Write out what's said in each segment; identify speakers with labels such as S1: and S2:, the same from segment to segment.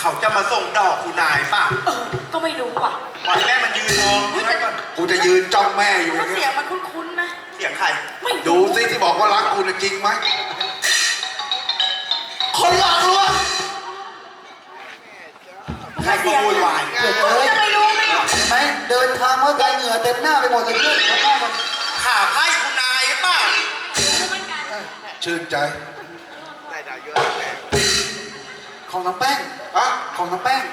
S1: เขาจะมาส่งดอกคุณนายป่ะ
S2: ก็ไม่รู้อ่ะ
S1: วันแม่มันยืนมอง
S3: กูจะยืนจ้องแม่อยู่อย่าง
S2: เสี
S3: เงี้
S2: ย
S3: ย
S2: งมันคุ้นๆนะ
S1: เสียงใคร
S3: ดูสิที่บอกว่ารักกูจริงไหมคนหลอกลวง
S1: ใครก็วุ่นวาย
S2: จะไม่รู้ไม่หรอก
S3: เห็นไหมเดินทางเมื่อไกลเหงื่อเต็มหน้าไปหมดเลยเพื่อนเขาบ้ามัน
S1: ข่าไพ่คุณนายป่ะ
S3: ชื่นใจของน้ำแป้งอะของน้ำแป้ง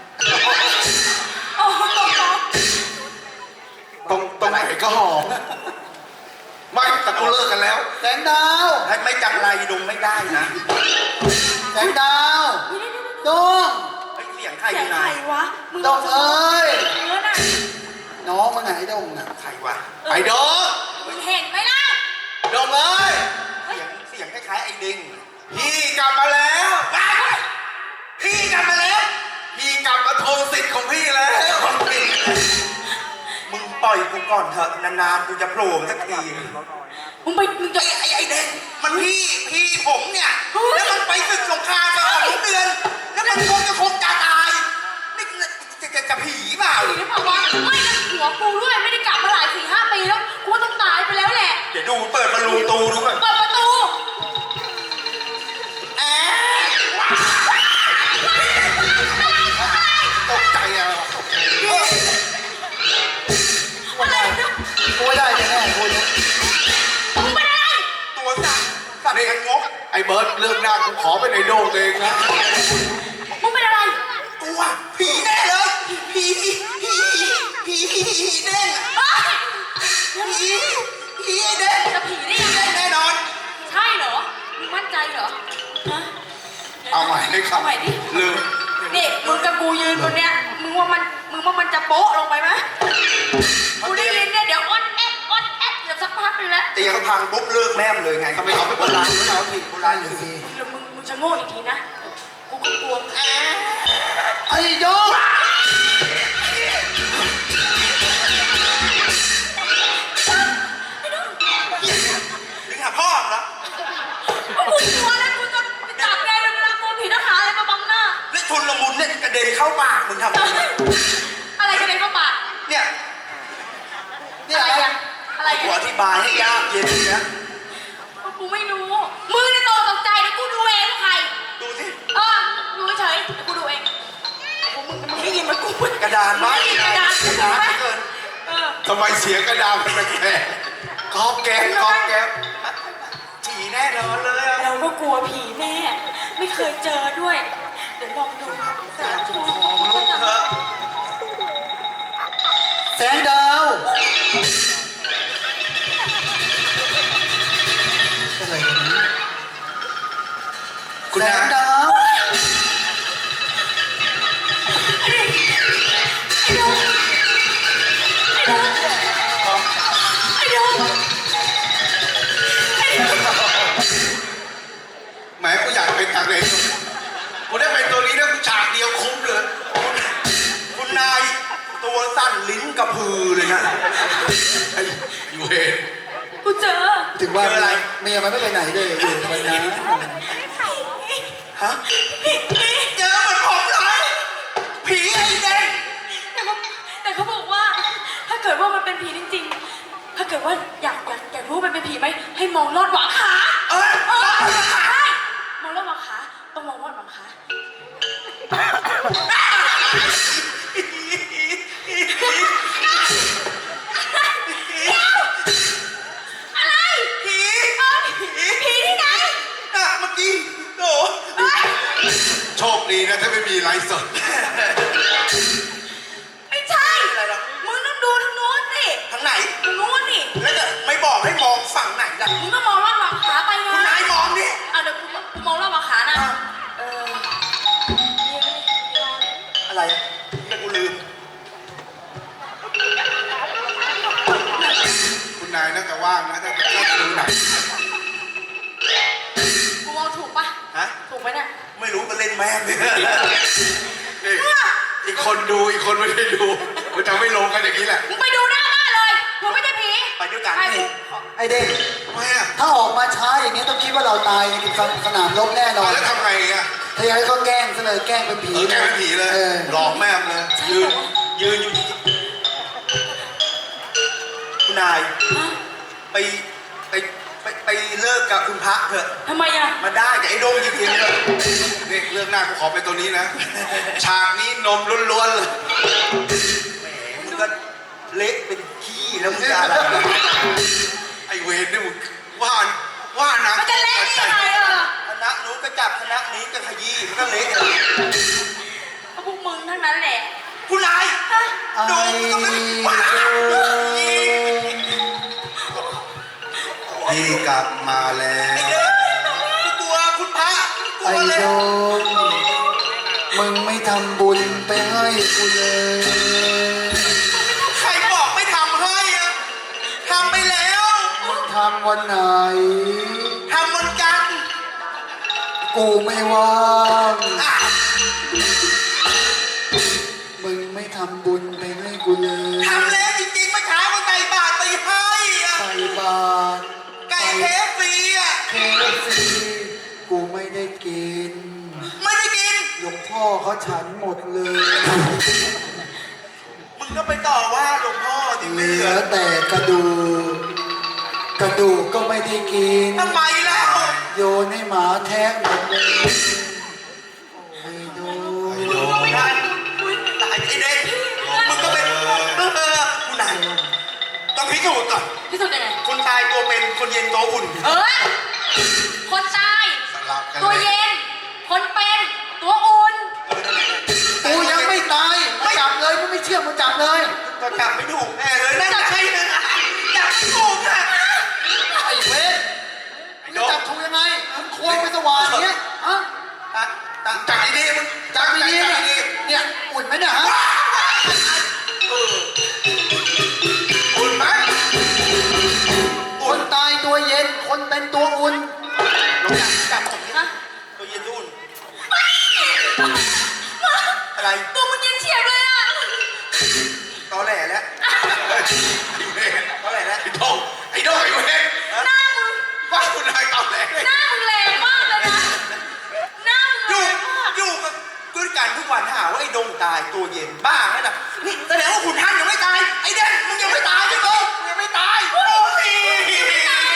S3: ตรงไหนก็หอมไม่แต่กูเลิกกันแล้วแสงดาว
S1: ให้ไม่จังไรดงไม่ได้นะ
S3: แสงดาวดง
S1: เสียงใครคุณ
S2: นาย
S1: ายว
S2: ะ
S3: ดงเอ้ยน้องมันไหนดงน่ะ
S1: ใครวะ
S3: ไอ้ดง
S2: มึงเห็นไหมล่ะ
S3: ดงเอ้ย
S1: เสียงคล้ายๆไอ้ดิงพี่กลับมาแล้วพี่กลับมาแล้วพี่กลับมาทวงสิทธิ์ของพี่แล้วมึงปล่อยกูก่อนเถอะนานๆกูจะโผล่สักที
S2: มึงจะ
S1: ไอ้เด็กมันพี่ผมเนี่ยแล้วมันไปศึกสงครามมา2 เดือนแล้วมันคงจะตายนี่จะผีเปล่า
S2: ผีหรือเปล่าวะไม่นะหัวกูด้วยไม่ได้กลับมาหลาย4-5 ปีแล้วกูต้องตายไปแล้วแหละ
S1: เดี๋ยวดูเปิดประตูดูก่อน
S2: เปิดประตู
S3: ตกใจอ่ะ
S2: อะไร
S3: กูไม่ได้แน่กู
S2: มึงเป็นอะไร
S1: ตัวสั่นเองงก
S3: ไอ้เบิร์ดเรื่องหน้ากูขอเป็นไอ้โด่งเองนะ
S2: มึงเป็นอะไร
S1: ตัวผีแน่เลยผีแน่ผีแน่
S2: จะผีได้ยังไง
S1: แน่นอน
S2: ใช่เหรอมึงมั่นใจเหรอฮะ
S3: เอาใหม่ให้ครับ
S2: เอาใหม่ดิ
S3: ลืม
S2: นี่มึงกับกูยืนตรงเนี้ยมึงว่ามันจะโป๊ะลงไปไหมกูได้ยินเนี่ยเดี๋ยวอดแอดเดี๋ยวสักพักนึงแล้ว
S1: ตีเขาพังปุ๊บเลิกแม่มเลยไงเขาไม่เอาไปโบราณไม่เอาผิดโบราณอยู่สิ
S2: แล้วมึงจะโง่อีกทีนะกูก็กลัว
S3: ไอ้โยก
S1: นี่หาพ่อเหรอ
S2: กูกลัวแล้วกูจะจับแกเลยเวลาตัวผีทหารอะไรมาบังหน้า
S1: แล้วทุนละมุนเนี่ยกระเด็นเข้าปากมึงทำ
S2: อะไรกระเด็นเข้าปาก
S1: เนี่ย
S2: อะไร
S1: กูอธิบายให้ยากเย็นนะ
S2: กูไม่รู้มึงในโตตกใจนะกูดูเองว่าใคร
S1: ดูสิ
S2: ดูเฉยกูดูเองมึงได้ยินไหมกู
S1: กระดานไหม
S2: กระดาน
S1: เกิน
S3: ทำไมเสียงกระดานมันแปลกๆก๊อบแก๊บ
S1: ผีแน่นอนเลย
S2: เราก็กลัวผีแม่ไม่เคยเจอด้วยเดี๋ยวลองดูสาธุ
S3: แสงดาวอะไรกันนะคุณแสงดาวแหมกูอยากเป็นอะไรกูได้เป็นตัวนี้นะกูฉากเดียวคุ้มเลย
S1: คุณนายตัวสั่นลิ้นกระพือเลยนะ
S3: อยู่เห็น
S2: กูเจอ
S3: ถึงว่าอะไรเมียมันไม่ไปไหนเลยอยู่ไปนะ
S1: ฮะเจอมันผมเลยผีไอ้เด็ก
S2: แต่เขาบอกว่าถ้าเกิดว่ามันเป็นผีจริงๆถ้าเกิดว่าอยากรู้มันเป็นผีไหมให้มองลอดหวังขามองลอดหวังขาต้องมองลอดหวังขาอะไรผีที่ไหน
S1: เมื่อกี้โอ้
S3: โชคดีนะถ้าไม่มีไลฟ์สด
S2: ไม่ใช่มึงต้องดูทางโน้นสิ
S1: ทางไหน
S2: ทางโน้นนี่
S1: แล้วจะไม่บอกให้มองฝั่งไหนล่ะ
S2: มึงก็มองลอดหวังขาไปไง
S1: คุณนายมองดิ
S2: เดี๋ยวกูมองลอดหวังขานะ
S1: อะไรแต่กูลืม
S3: คุณนายน่าจะว่างนะถ้าจะดูหนัง
S2: กูมองถูกปะถูกไหมเนี่ย
S1: ไม่รู้ก็เล่นแม่เลย
S3: อีกคนดูอีกคนไม่ได้ดูมันจะไม่ลงกันอย่างนี้แหละ
S2: มึงไปดูหน้าบ้านเลยมึงไม่ใช่ผี
S1: ไปด้วยกัน
S3: ไอเด็กทำไมอ่ะถ้าออกมาช้าอย่างนี้ต้องคิดว่าเราตายในสนามรบแน่นอนแล้วทำไงอ่ะ
S4: ถ้าอย่างนั้นก็แกล้งซะเลยแกล้งเป็นผี
S3: แกเป็นผีเลย
S4: เออ
S3: หลอกแม่มเลย
S1: ยืนอยู่คุณนาย
S2: ฮะ
S1: ไปไปเลิกกับคุณพระเถอะ
S2: ทำไมอ่ะ
S1: มาได้กับไอ้โดงจริงๆเลย
S3: นี่เรื่องหน้ากูขอเป็นตัวนี้นะ ฉากนี้นมล้วนๆเลย
S1: แหมมึงก็เละเป็นขี้แล้วมึงจะอะไร
S3: ไอเวรนี่มึงว่านะ
S2: มันจะเล่นยังไงอ่ะ
S1: คณะนู้นก็จับคณะนี้ก็ขยี้มันก็เละเลย
S2: ก็พวกมึงทั้งนั้นแหละ
S1: คุณนาย
S2: ฮะ
S1: โดงก็ไม่ว้า
S3: พี่กลับมาแล้ว
S1: ไอ้เด้กูกลัวคุณพระกลั
S4: ไอ้
S1: วเลย
S4: โดมมึงไม่ทำบุญไปให้กูเลย
S1: ใครบอกไม่ทำให้อะทำไปแล้ว
S4: มึงทำวันไหน
S1: ทำวันจันทร์
S4: กูไม่ว่าง
S1: อ่ะ
S4: มึงไม่ทำบุญไปให้กูเลย
S1: ทำแล้วจริงๆเมื่อเช้าก็ไก่บาทไปให้อะ
S4: ใส่บาตร
S1: ไก่เคฟซีอะ
S4: เคซีกูไม่ได้กิน
S1: ไม่ได้กิน
S4: หลวงพ่อเขาฉันหมดเลย
S1: มึงก็ไปต่อว่าหลวงพ่อที่
S4: เห
S1: ไม่
S4: ลื
S1: เหลื
S4: อ
S1: อ
S4: แต่กระดูก กระดูกก็ไม่ได้กิน
S1: ทำไมแล้ว
S4: โยนให้หมาแทะหมดเลยไอ้โดม
S1: ได้ตายไอ้เด็กมึงก็เป็นคุณนายต้องพิสูจน์ก่อน
S2: พิสูจน์ยังไง
S1: คนตายตัวเป็นคนเย็นตัวอุ่น
S2: คนตาย
S3: สลับกัน
S2: ตัว
S3: เลย
S2: เย็น คนเป็น ตัวอุ่น
S4: กูยังไม่ตายมึงจับเลยมึงไม่เชื่อมึงจับเลย
S1: ก็จับไม่ถูกแน่เลยนั่นใช่เลยจับไม่ถูกอะ
S4: ไอ้เวทมึงจะจับถูกยังไงมึงควงไปสว่างอย่างเงี้ยฮะ
S3: จับดีๆมึง
S4: จับดีๆ
S3: จั
S4: เนี่ย
S3: บดี
S4: เนี่ยอุ่นไหมเนี่ยฮะ
S3: ๆอุ่นไหม
S4: คนตายตัวเย็น คนเป็นตัวอุ่น
S1: ลองจับผม
S2: ฮะ
S1: ตัวเย็นตัวอุ่นอะไร
S2: ตัวมึงเย็นเฉียบเลยอ่ะ
S1: ตอแหลแล้ว
S3: ไอ้เวร
S1: ตอแหลแล้ว
S3: ไอ้โดงไอ้เวร
S2: หน้ามึง
S3: ว่าคุณนายตอบแหลเลย
S2: หน้ามึงแรงมากเลยนะ หน้ามึง
S1: อ
S2: แร
S1: ยู่
S2: งมาก
S1: อยู่กับด้วยกันทุกวันหาว่าไอ้ดงตายตัวเย็นบ้าไงน่ะนี่แสดงว่าคุณท่านยังไม่ตายไอ้เด่นมึงยังไม่ตายใช่ไหมมึงยังไม่ตายโอ้ย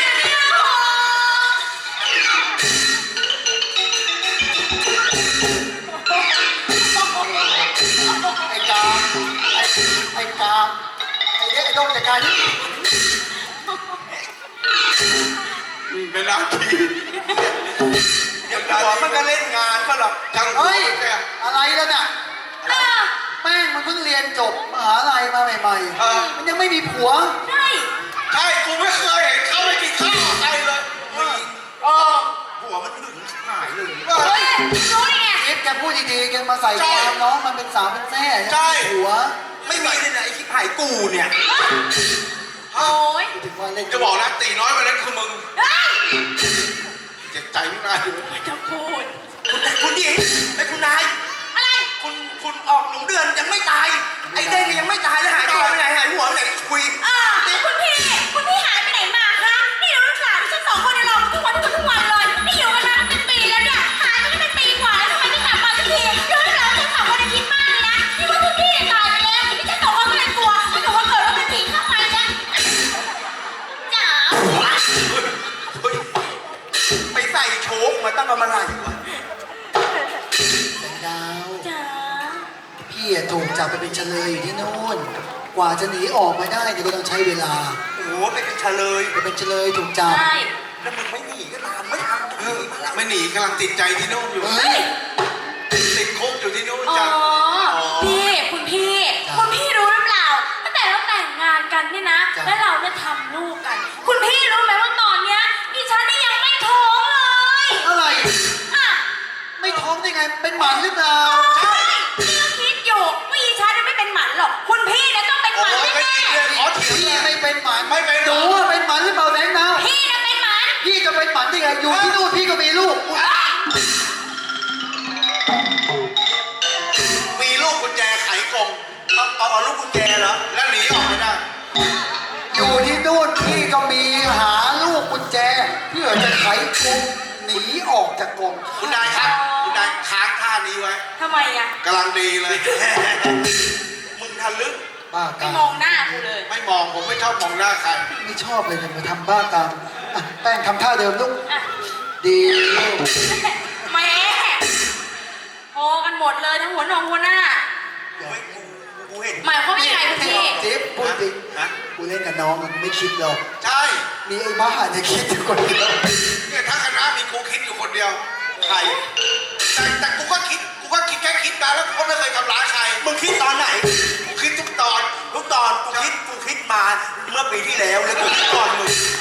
S4: ไอ้กามไอ้กามไอ้เด็กไอ้ดงจัดการนี่
S3: เป็นนาที
S1: เดี๋ยวหัวมันก็เล่นงานก็หรอก
S3: ทั้งหัว
S4: เฮ้ย
S3: แก
S4: อะไรแล้วน่ะ
S2: อ่ะ
S4: แม่งมันเพิ่งเรียนจบมหาลัยมาใหม่ๆ มันยังไม่มีผัว
S2: ใช่
S3: ใช่กูไม่เคยเห็นเขาไปกินข้าวกับใครเลย
S1: มีหัวมันหึงหายเลย
S2: เฮ้ยรู้ได้ไง
S4: เอฟแกพูดดีๆแกมาใส่ความน้องมันเป็นสาวเป็นแซ่หัว
S1: ไม่มีเลยนะไอ้ที่หายกูเนี่ย
S2: โอ้ย
S4: ถึงว่าเล่น
S3: จะบอกนะตีน้อยวันนั้นคือมึง
S2: เฮ้ย
S3: เจ็บใจไม่ได้เลย
S2: จะพูด
S1: คุณหญิงไอ้คุณนาย
S2: อะไร
S1: คุณออกหนูเดือนยังไม่ตาย ไอ้เด่นยังไม่ตายแล้วหายตัวไปไหนหายหัวไปไหนคุย
S2: คุณพี่หายไปไหนมาคะนี่เราลูกสาวที่ฉันสองคนเนี่ยรอทุกวันเลยนี่อยู่กันมาเป็นปีแล้วเนี่ยหายไปได้เป็นปีกว่าแล้วทำไมไม่กลับมาสักทีดูลูกสาวฉันสองคนคิดมากเลยนะนี่ว่าคุณพี่เนี่ยตายไปแล้วนี่ฉันสองคนก็เลยกลัวถ้าเกิดว่าเกิดว่าเป็นผีเข้าไปเนี่ยจ๋า
S1: เฮ้ยไปใส่โชกมาตั้งแต่เมื่อไหร่วะ
S4: ดาว
S2: จ๋า
S4: พี่ถูกจับไปเป็นเฉลยอยู่ที่โน่น กว่าจะหนีออกมาได้เนี่ยก็ต้องใช้เวลา
S1: โอ้โหไปเป็นเฉลย
S4: จะเป็นเฉลยถูกจับ
S2: ใช่
S1: แล้วมึงไม่หนีก็ตามไม่ทำ
S3: เออไม่หนีกำลังติดใจที่นู่นอยู่
S4: เฮ้ย
S3: ติดคุกอยู่ที่นู่น
S2: อ๋อ
S3: จ้ะ
S2: พี่คุณพี่รู้หรือเปล่าตั้งแต่เราแต่งงานกันเนี่ยนะ แล้วเราเนี่ยทำลูกกัน คุณพี่รู้ไหมว่าตอนเนี้ยดิฉันนี่ยังไม่ท้องเลย
S4: อะไร
S2: อ่ะ
S4: ไม่ท้องได้ไง เป็นหมันหรือเปล่า
S2: ใช่พี่ก็คิดอยู่ว่าดิฉันเนี่ยไม่เป็นหมันหรอก คุณพี่เนี่ยต้องเป็นห
S3: โอ้
S2: มัน
S3: ยไม่
S2: แน่
S3: จริงเลยขอเถียง
S4: พี่
S3: เลย
S4: ไม่เป็นหมัน
S3: ไม่เป็น
S4: หนูว่าเป็นหมันหรือเปล่าแบงค์ดาว
S2: ๆพี่เนี่ยเป็นหมัน
S4: พี่จะเป็นหมันได้ไง อยู่ที่นู่นพี่ก็มีลูก
S3: มีลูกกุญแจไขกรง
S1: เอาลูกกุญแจเหรอ
S3: แล้วหนีออกไม่ได้
S4: อยู่ที่นู่นพี่ก็มีหาลูกกุญแจ เพื่อจะไขกรงหนีออกจากกรง
S3: คุณนายครับ
S2: อ๋อ
S3: กูได้ค้างท่านี้ไว้
S2: ทำไมอ่ะ
S3: กำลังดีเลย
S1: มึงทะลึ่ง
S4: บ้า
S2: ไม่
S4: กาม
S2: องหน้ากูเลย
S3: ไม่มองผมไม่ชอบมองหน้าใคร
S4: ไม่ชอบเลยจะมาทำบ้ากามอ่ะแป้งทำท่าเดิมลูก
S2: อ่ะ
S4: ดีลูก
S2: แหม่พอกันหมดเลยทั้งหัวนองหัวหน้า
S1: เฮ้ยกูเห็น
S2: หมายความว่ายังไงคุณพี่
S4: จิ๊บพูดจริง
S1: ฮะ
S4: กูเล่นกับน้องมันไม่คิดหรอก
S3: ใช่
S4: มีไอ้บ้าเนี่ยคิดอยู่คนเดียว
S3: เนี่ยทั้งคณะมีกูคิดอยู่คนเดียว ใคร แต่กูก็คิดแค่คิดมาแล้วกูก็ไม่เคยทำร้ายใคร
S1: มึงคิดตอนไหน
S3: กูคิดทุกตอน
S1: ทุกตอนกูคิดมาเมื่อปีที่แล้วแล้วกูคิดก่อนมึง